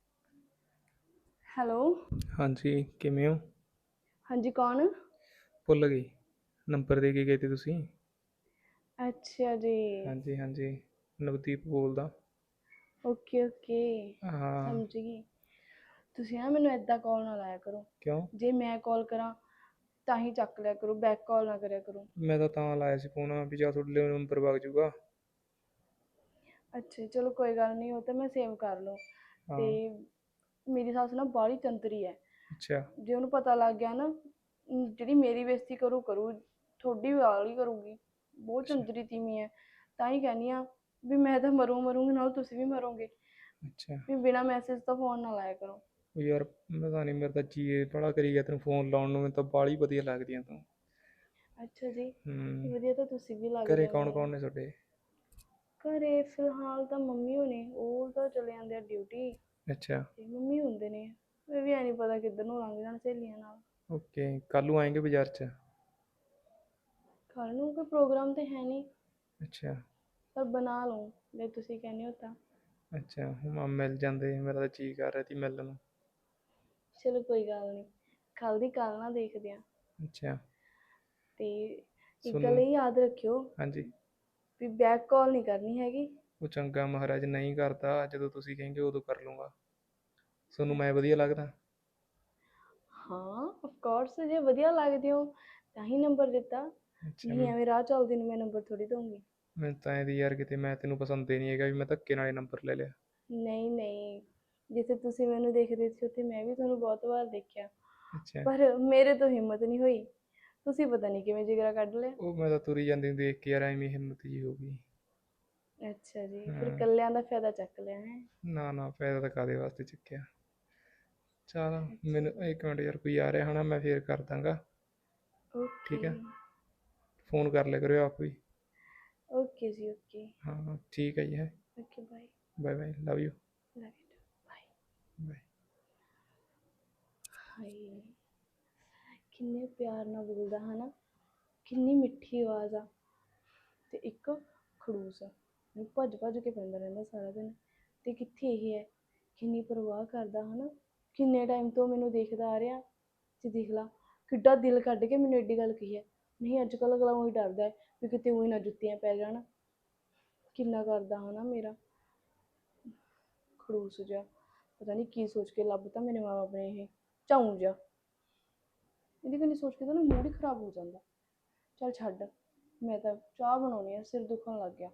S1: ਹੈਲੋ
S4: ਹਾਂਜੀ ਕਿਵੇਂ ਹੋ?
S1: ਹਾਂਜੀ ਕੌਣ?
S4: ਭੁੱਲ ਗਈ, ਨੰਬਰ ਦੇ ਕੇ ਗਏ ਤੇ ਤੁਸੀਂ।
S1: ਅੱਛਾ ਜੀ
S4: ਹਾਂਜੀ ਹਾਂਜੀ ਨਵਦੀਪ ਬੋਲਦਾ।
S1: ਓਕੇ ਓਕੇ
S4: ਹਾਂ
S1: ਸਮਝ ਗਈ। ਤੁਸੀਂ ਨਾ ਮੈਨੂੰ ਏਦਾਂ ਕਾਲ ਨਾ ਲਾਇਆ ਕਰੋ,
S4: ਕਿਉਂ?
S1: ਜੇ ਮੈਂ ਕਾਲ ਕਰਾਂ ਤਾਂ ਹੀ ਚੱਕ ਲਿਆ ਕਰੋ, ਬੈਕ ਕਾਲ ਨਾ ਕਰਿਆ ਕਰੋ।
S4: ਮੈਂ ਤਾਂ ਲਾਇਆ ਸੀ ਫੋਨ ਵੀ ਜਾਂ ਤੁਹਾਡੇ ਲਈ ਨੰਬਰ ਵਗ ਜੂਗਾ।
S1: ਅੱਛਾ ਚਲੋ ਕੋਈ ਗੱਲ ਨਹੀਂ, ਉਹ ਤਾਂ ਮੈਂ ਸੇਵ ਕਰ ਲਓ। ਤੇ ਮੇਰੀ ਸੱਸ ਨਾ ਬਾਹਲੀ ਚੰਤਰੀ ਹੈ।
S4: ਅੱਛਾ
S1: ਜੇ ਉਹਨੂੰ ਪਤਾ ਲੱਗ ਗਿਆ ਨਾ, ਜਿਹੜੀ ਮੇਰੀ ਬੇਇੱਜ਼ਤੀ ਕਰੂ ਤੁਹਾਡੀ ਵਾਲੀ ਕਰੂਗੀ। ਬਹੁਤ ਚੰਤਰੀ ਤੀਵੀਂ ਹੈ, ਤਾਂ ਹੀ ਕਹਿੰਦੀ ਆ ਵੀ ਮੈਂ ਤਾਂ ਮਰੂੰਗੀ ਨਾਲ ਤੁਸੀਂ ਵੀ ਮਰੋਗੇ।
S4: ਅੱਛਾ
S1: ਵੀ ਬਿਨਾਂ ਮੈਸੇਜ ਤੋਂ ਫੋਨ ਨਾ ਲਾਇਆ ਕਰੋ।
S4: ਯਾਰ ਪਤਾ ਨਹੀਂ, ਮੇਰਾ ਤਾਂ ਜੀ ਬੜਾ ਕਰੀ ਗਿਆ ਤੈਨੂੰ ਫੋਨ ਲਾਉਣ ਨੂੰ, ਮੈਨੂੰ ਤਾਂ ਬਾਹਲੀ ਵਧੀਆ ਲੱਗਦੀਆਂ ਤੂੰ।
S1: ਅੱਛਾ ਜੀ ਵਧੀਆ ਤਾਂ ਤੁਸੀਂ ਵੀ ਲੱਗਦੇ।
S4: ਘਰੇ ਕੌਣ ਕੌਣ ਨੇ ਤੁਹਾਡੇ?
S1: ਘਰੇ ਫਿਲਹਾਲ ਤਾਂ ਮੰਮੀ ਹੋਣੀ, ਉਹ ਤਾਂ ਚਲੇ ਜਾਂਦੇ ਆ ਡਿਊਟੀ।
S4: ਅੱਛਾ
S1: ਤੇ ਮੰਮੀ ਹੁੰਦੇ ਨੇ, ਇਹ ਵੀ ਐ ਨਹੀਂ ਪਤਾ ਕਿੱਧਰ ਨੂੰ ਲੰਘ ਜਾਣ ਸਹੇਲੀਆਂ ਨਾਲ।
S4: ਓਕੇ ਕੱਲ ਨੂੰ ਆਏਂਗੇ ਬਾਜ਼ਾਰ 'ਚ?
S1: ਕੱਲ ਨੂੰ ਕੋਈ ਪ੍ਰੋਗਰਾਮ ਤੇ ਹੈ ਨਹੀਂ,
S4: ਅੱਛਾ
S1: ਪਰ ਬਣਾ ਲਓ ਜੇ ਤੁਸੀਂ ਕਹਿੰਦੇ ਹੋ ਤਾਂ।
S4: ਅੱਛਾ ਹੁਣ ਮਿਲ ਜਾਂਦੇ, ਮੇਰਾ ਤਾਂ ਜੀ ਕਰ ਰਿਹਾ ਸੀ ਮਿਲਣ ਨੂੰ।
S1: ਚਲੋ ਕੋਈ ਗੱਲ ਨਹੀਂ, ਕੱਲ ਦੀ ਕੱਲ ਨਾ ਦੇਖਦੇ ਆ।
S4: ਅੱਛਾ
S1: ਤੇ ਇੱਕ ਗੱਲ ਇਹ ਯਾਦ ਰੱਖਿਓ,
S4: ਹਾਂਜੀ
S1: ਵੀ ਬੈਕ ਕਾਲ ਨਹੀਂ ਕਰਨੀ ਹੈਗੀ।
S4: ਉਹ ਚੰਗਾ ਮਹਾਰਾਜ, ਨਹੀਂ ਕਰਦਾ, ਜਦੋਂ ਤੁਸੀਂ ਕहेंगे ਉਦੋਂ ਕਰ ਲੂੰਗਾ। ਤੁਹਾਨੂੰ ਮੈਂ ਵਧੀਆ ਲੱਗਦਾ?
S1: ਹਾਂ ਆਫ ਕੋਰਸ, ਜੇ ਵਧੀਆ ਲੱਗਦੇ ਹੋ ਤਾਂ ਹੀ ਨੰਬਰ ਦਿੱਤਾ, ਨਹੀਂ ਐਵੇਂ ਰਾਹ ਚੱਲਦੀ ਨੂੰ ਮੈਂ ਨੰਬਰ ਥੋੜੀ ਦਊਂਗੀ।
S4: ਮੈਂ ਤਾਂ ਇਹਦੀ ਯਾਰ ਕਿਤੇ ਮੈਂ ਤੈਨੂੰ ਪਸੰਦ ਹੀ ਨਹੀਂ ਹੈਗਾ ਵੀ ਮੈਂ ਧੱਕੇ ਨਾਲ ਨੰਬਰ ਲੈ ਲਿਆ।
S1: ਨਹੀਂ ਨਹੀਂ, ਜਿੱਥੇ ਤੁਸੀਂ ਮੈਨੂੰ ਦੇਖਦੇ ਸੀ ਉੱਥੇ ਮੈਂ ਵੀ ਤੁਹਾਨੂੰ ਬਹੁਤ ਵਾਰ ਦੇਖਿਆ,
S4: ਅੱਛਾ
S1: ਪਰ ਮੇਰੇ ਤੋਂ ਹਿੰਮਤ ਨਹੀਂ ਹੋਈ। ਤੁਸੀਂ ਪਤਾ ਨਹੀਂ ਕਿਵੇਂ ਜਿਗਰਾ ਕੱਢ ਲਿਆ।
S4: ਉਹ ਮੈਂ ਤਾਂ ਤੁਰੀ ਜਾਂਦੀ ਨੂੰ ਦੇਖ ਕੇ ਯਾਰ ਐਵੇਂ ਹਿੰਮਤ ਜੀ ਹੋ ਗਈ।
S1: ਅੱਛਾ ਜੀ, ਫਿਰ ਕੱਲਿਆਂ ਦਾ ਫਾਇਦਾ ਚੱਕ ਲਿਆ ਹੈ।
S4: ਨਾ ਫਾਇਦਾ ਤਾਂ ਕਾਦੇ ਵਾਸਤੇ ਚੱਕਿਆ। ਚਲ ਮੈਨੂੰ 1 ਮਿੰਟ ਯਾਰ, ਕੋਈ ਆ ਰਿਹਾ ਹੋਣਾ, ਮੈਂ ਫੇਰ ਕਰ ਦਾਂਗਾ। ਠੀਕ ਹੈ, ਫੋਨ ਕਰ ਲਿਆ ਕਰਿਓ ਆਪ ਵੀ।
S1: ਓਕੇ ਜੀ ਓਕੇ।
S4: ਹਾਂ ਠੀਕ ਹੈ ਜੀ, ਹੈ
S1: okay bye.
S4: Bye bye, love you.
S1: Love you bye.
S4: Bye.
S1: ਹਾਏ ਕਿੰਨੇ ਪਿਆਰ ਨਾਲ ਬੋਲਦਾ ਹਨਾ, ਕਿੰਨੀ ਮਿੱਠੀ ਆਵਾਜ਼ ਆ, ਤੇ ਇੱਕ ਖੜੂਸ ਆ ਮੈਨੂੰ ਭੱਜ ਕੇ ਪੈਂਦਾ ਰਹਿੰਦਾ ਸਾਰਾ ਦਿਨ। ਤੇ ਕਿੱਥੇ ਇਹ ਹੈ, ਕਿੰਨੀ ਪਰਵਾਹ ਕਰਦਾ ਹਨਾ, ਕਿੰਨੇ ਟਾਈਮ ਤੋਂ ਮੈਨੂੰ ਦੇਖਦਾ ਆ ਰਿਹਾ। ਤੇ ਦੇਖ ਲਾ ਕਿੱਡਾ ਦਿਲ ਕੱਢ ਕੇ ਮੈਨੂੰ ਐਡੀ ਗੱਲ ਕਹੀ ਹੈ। ਨਹੀਂ ਅੱਜ ਕੱਲ੍ਹ ਅਗਲਾ ਉਹੀ ਡਰਦਾ ਹੈ ਵੀ ਕਿਤੇ ਉਹੀ ਨਾ ਜੁੱਤੀਆਂ ਪੈ ਜਾਣ। ਕਿੰਨਾ ਕਰਦਾ ਹਨਾ ਮੇਰਾ ਖੜੂਸ ਜਿਹਾ, ਪਤਾ ਨਹੀਂ ਕੀ ਸੋਚ ਕੇ ਲੱਭਤਾ ਮੇਰੇ ਮਾਂ ਬਾਪ ਨੇ ਇਹ ਝਾਊਂ ਜਿਹਾ। ਇਹਦੀ ਕਨੀ ਸੋਚ ਕੇ ਤਾਂ ਨਾ ਮੂਡ ਹੀ ਖਰਾਬ ਹੋ ਜਾਂਦਾ। ਚੱਲ ਛੱਡ, ਮੈਂ ਤਾਂ ਚਾਹ ਬਣਾਉਣੀ ਆ, ਸਿਰ ਦੁਖਣ ਲੱਗ ਗਿਆ।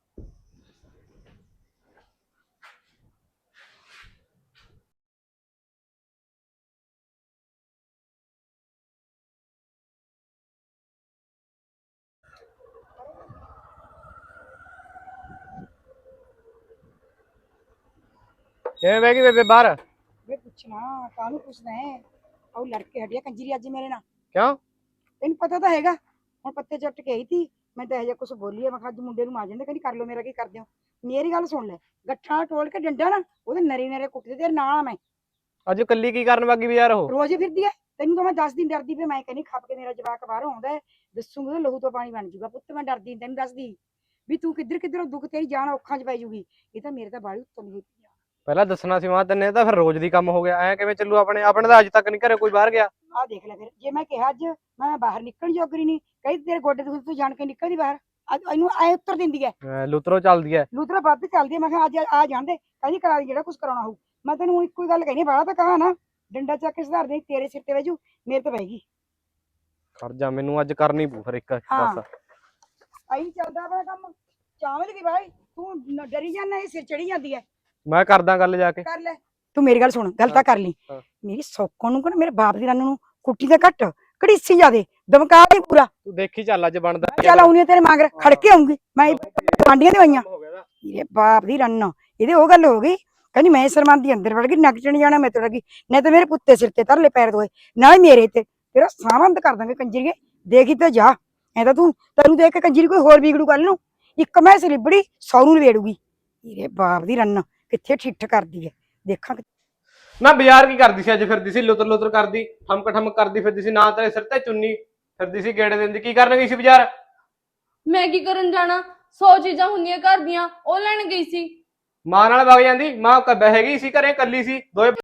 S2: ਕਿਵੇਂ ਬਹਿ ਗਈ ਬੇਬੇ ਬਾਹਰ?
S3: ਵੇ ਪੁੱਛਣਾ ਕਾਹਨੂੰ ਪੁੱਛਦਾ ਹੈ? ਉਹ ਲੜਕੇ ਹਟਿਆ ਕੰਜਰੀ ਅੱਜ ਮੇਰੇ ਨਾਲ।
S2: ਕਿਉਂ?
S3: ਤੈਨੂੰ ਪਤਾ ਤਾਂ ਹੈਗਾ, ਹੁਣ ਪੱਤੇ ਚੱਟ ਕੇ ਆਈ ਸੀ ਮੈਂ ਤਾਂ ਇਹ ਜਿਹਾ ਕੁਛ ਬੋਲੀ ਆ। ਮੈਂ ਕਿਹਾ ਅੱਜ ਮੁੰਡੇ ਨੂੰ ਆ ਜਾਂਦੇ, ਕਹਿੰਦੀ ਕਰ ਲਓ ਮੇਰਾ ਕੀ ਕਰਦੇ ਹੋ। ਮੇਰੀ ਗੱਲ ਸੁਣ ਲੈ, ਗੱਠਾਂ ਟੋਲ ਕੇ ਡੰਡਾ ਨਾ ਉਹਦੇ ਨਰੇ ਕੁੱਟਦੇ ਤੇਰੇ ਨਾਲ ਆ ਮੈਂ।
S2: ਅੱਜ ਕੱਲੀ ਕੀ ਕਰਨ ਵਾਗੀ ਵੀ ਯਾਰ ਉਹ?
S3: ਰੋਜ਼ ਹੀ ਫਿਰਦੀ ਐ, ਤੈਨੂੰ ਤਾਂ ਮੈਂ 10 ਦਿਨ ਡਰਦੀ ਪਈ। ਮੈਂ ਕਹਿੰਦੀ ਖੱਪ ਕੇ ਮੇਰਾ ਜਵਾਕ ਬਾਹਰੋਂ ਆਉਂਦਾ ਹੈ, ਦੱਸੂਗੀ ਤਾਂ ਲਹੂ ਤੋਂ ਪਾਣੀ ਬਣ ਜੂਗਾ। ਪੁੱਤ ਮੈਂ ਡਰਦੀ ਤੈਨੂੰ ਦੱਸਦੀ ਵੀ ਤੂੰ ਕਿੱਧਰੋਂ ਦੁੱਖ, ਤੇਰੀ ਜਾਨ ਔਖਾਂ 'ਚ ਪੈ ਜੂਗੀ। ਇਹ ਤਾਂ ਮੇਰੇ ਤਾਂ ਬਾਹਲੀ ਉੱਤੋਂ ਹੋਈ ਪਈ ਆ।
S2: ਪਹਿਲਾਂ ਦੱਸਣਾ ਸੀ ਮਾਂ ਤੈਨੇ, ਤਾਂ ਫਿਰ ਰੋਜ਼ ਦੀ ਕੰਮ ਹੋ ਗਿਆ। ਐ ਕਿਵੇਂ ਚੱਲੂ? ਆਪਣੇ ਤਾਂ ਅੱਜ ਤੱਕ ਨਹੀਂ ਘਰੇ ਕੋਈ ਬਾਹਰ ਗਿਆ।
S3: ਆਹ ਦੇਖ ਲੈ, ਫਿਰ ਜੇ ਮੈਂ ਕਿਹਾ ਅੱਜ ਮੈਂ ਬਾਹਰ ਨਿਕਲਣ ਜੋਗਰੀ ਨਹੀਂ, ਕਹੀ ਤੇਰੇ ਗੋਡੇ ਤੋਂ ਤੂੰ ਜਾਣ ਕੇ ਨਿਕਲਦੀ ਬਾਹਰ। ਅੱਜ ਇਹਨੂੰ ਐ ਉੱਤਰ ਦਿੰਦੀ ਐ,
S2: ਲੁਤਰੋ ਚੱਲਦੀ ਐ।
S3: ਲੂਤਰਾ ਵੱਧ ਚੱਲਦੀ ਐ। ਮੈਂ ਕਿਹਾ ਅੱਜ ਆ ਜਾਂਦੇ, ਕਹਿੰਦੀ ਕਰਾ ਦੀ ਜਿਹੜਾ ਕੁਝ ਕਰਾਉਣਾ ਹੋਊ। ਮੈਂ ਤੈਨੂੰ ਹੁਣ ਇੱਕੋ ਹੀ ਗੱਲ ਕਹਿਣੀ, ਬਾਹਲਾ ਤਾਂ ਕਹਾ ਨਾ, ਡੰਡਾ ਚੱਕ ਕੇ ਸੁਧਾਰ ਦੇ। ਤੇਰੇ ਸਿਰ ਤੇ ਵਜੂ, ਮੇਰੇ ਤੇ ਬਹਿ ਗਈ।
S2: ਖੜ ਜਾ, ਮੈਨੂੰ ਅੱਜ ਕਰਨੀ ਪਊ ਫਿਰ ਇੱਕ ਬਸ।
S3: ਆਈ ਚੱਲਦਾ ਆਪਣਾ ਕੰਮ, ਚਾਵਲ ਦੀ ਭਾਈ ਤੂੰ ਡਰੀ ਜਾਂਦਾ, ਇਹ ਸਿਰ ਚੜੀ ਜਾਂਦੀ ਐ।
S2: ਮੈਂ ਕਰਦਾ ਗੱਲ ਜਾ ਕੇ।
S3: ਕਰ ਲੈ ਤੂੰ, ਮੇਰੀ ਗੱਲ ਸੁਣ, ਗੱਲ ਤਾਂ ਕਰ ਲਈ। ਮੇਰੀ ਸੌਕਣ ਨੂੰ ਕਹਿੰਦਾ ਮੇਰੇ ਬਾਪ ਦੀ ਰੰਨ ਨੂੰ ਕੁੱਟੀ ਦਾ ਘੱਟ ਘੜੀਸੀ ਜਾਦੇ ਦਮਕਾ ਦੀ ਪੂਰਾ।
S2: ਤੂੰ ਦੇਖੀ ਚੱਲ ਅੱਜ ਬਣਦਾ।
S3: ਚੱਲ ਆਉਣੀ ਤੇਰੇ ਮਗਰ ਖੜ ਕੇ ਆਉਂਗੀ ਮੈਂ। ਗਵਾਂਢੀਆਂ ਦੇ ਆਈਆਂ ਮੇਰੇ ਬਾਪ ਦੀ ਰੰਨ, ਇਹਦੇ ਉਹ ਗੱਲ ਹੋ ਗਈ। ਕਹਿੰਦੀ ਮੈਂ ਸਰਮਨ ਦੀ ਅੰਦਰ ਵੜ ਗਈ, ਨੱਕ ਚਣ ਜਾਣਾ ਮੈਂ ਤੁਰ ਗਈ। ਨਹੀਂ ਤਾਂ ਮੇਰੇ ਪੁੱਤੇ ਸਿਰ ਤੇ ਧਰਲੇ ਪੈਰ ਦੋਏ, ਨਾਲੇ ਮੇਰੇ ਤੇ ਤੇਰਾ ਸਾਵੰਦ ਕਰ ਦਾਂਗੇ ਕੰਜਰੀਏ। ਦੇਖੀ ਤੇ ਜਾ, ਐ ਤਾਂ ਤੈਨੂੰ ਦੇਖ ਕੇ ਕੰਜਰੀ ਕੋਈ ਹੋਰ ਵਿਗੜੂ ਕੱਲ ਨੂੰ। ਇੱਕ ਮੈਂ ਲਿਬੜੀ 100 ਨੂੰ ਲਵੇੜੂਗੀ। ਮੇਰੇ ਬਾਪ ਦੀ ਰੰਨ ਕਿੱਥੇ ਠਿੱਠ ਕਰਦੀ ਐ, ਦੇਖਾਂ।
S2: ਨਾ ਬਾਜ਼ਾਰ ਕੀ ਕਰਦੀ ਸੀ ਅੱਜ? ਫਿਰਦੀ ਸੀ ਲੁਤਰ ਕਰਦੀ, ਠਮਕ ਕਰਦੀ ਫਿਰਦੀ ਸੀ। ਨਾ ਤੇਰੇ ਸਿਰ ਤੇ ਚੁੰਨੀ ਫਿਰਦੀ ਸੀ ਗੇੜੇ ਦਿੰਦੀ। ਕੀ ਕਰਨ ਗਈ ਸੀ ਬਾਜ਼ਾਰ?
S1: ਮੈਂ ਕੀ ਕਰਨ ਜਾਣਾ, 100 ਚੀਜ਼ਾਂ ਹੁੰਦੀਆਂ ਘਰ ਦੀਆਂ, ਉਹ ਲੈਣ ਗਈ ਸੀ।
S2: ਮਾਂ ਨਾਲ ਵਗ ਜਾਂਦੀ। ਮਾਂ ਬਹਿ ਗਈ ਸੀ ਘਰੇ, ਕੱਲੀ ਸੀ। ਦੋਏ